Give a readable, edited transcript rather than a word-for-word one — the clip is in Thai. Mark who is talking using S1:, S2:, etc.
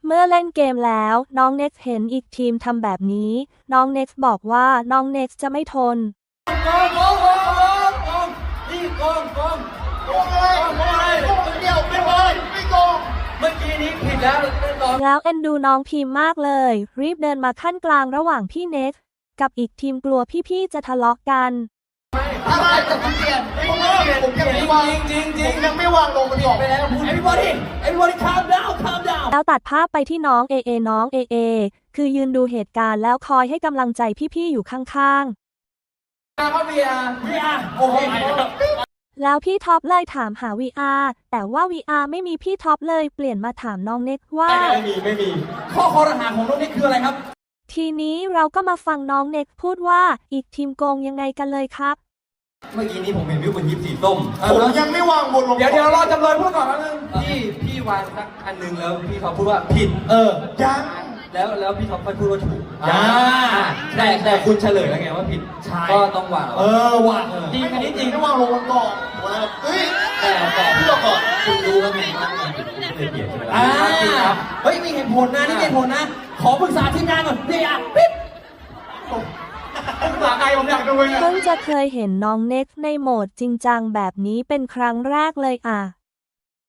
S1: เมื่อเล่นเกมแล้วน้องเน็กซ์เห็นอีกทีมทำแบบนี้น้องเน็กซ์บอกว่าน้องเน็กซ์จะไม่ทน
S2: โกงนี่โกงอะไรคนเดียวไม่โกงเมื่อกี้นี้ผิด
S1: แล้วเอ็นดูน้องพิมพ์มากเลยรีบเดินมาขั้นกลางระหว่างพี่เน็กซ์กับอีกทีมกลัวพี่ๆจะทะเลาะกัน
S2: อะไรแต่ผมเปลี่ยนผมยังไม่วางจริงผมยังไม่วางลงมันบอกไปแล้วพูด everybody calm down
S1: แล้วตัดภาพไปที่น้องน้องคือยืนดูเหตุการณ์แล้วคอยให้กำลังใจพี่ๆอยู่ข้าง
S2: ๆVR โอเค
S1: แล้วพี่ท็อปเลยถามหา VR แต่ว่า VR ไม่มีพี่ท็อปเลยเปลี่ยนมาถามน้องเน็กว่า
S2: ไม่มีข้อคอรหาของน้องเน็กคืออะไรครับ
S1: ทีนี้เราก็มาฟังน้องเน็กพูดว่าอีกทีมโกงยังไงกันเลยครับ
S2: เมื่อกี้นี้ผมเห็นพี่คนยิบสีส้มผมยังไม่วางบนลงเดี๋ยวรอจำเลยพูดก่อนนะพี่วางสักอันนึงแล้วพี่ท็อปพูดว่าผิดยังแล้วพี่ท็อปค่อยพูดว่าถูกแต่คุณเฉลยแล้วไงว่าผิดก็ต้องวางวางจริงอันนี้จริงต้องวางลงก่อนแต่พี่บอกก่อนคุณรู้แล้วไงว่ามันเลยเปลี่ยนใช่ไหมจริงครับเฮ้ยมีเหตุผลนะนี่เหตุผลนะขอปรึกษาทีมงานก่อนนี่ปิ๊บ
S1: เพิ่งจะเคยเห็นน้องเน็กในโหมดจริงจังแบบนี้เป็นครั้งแรกเลย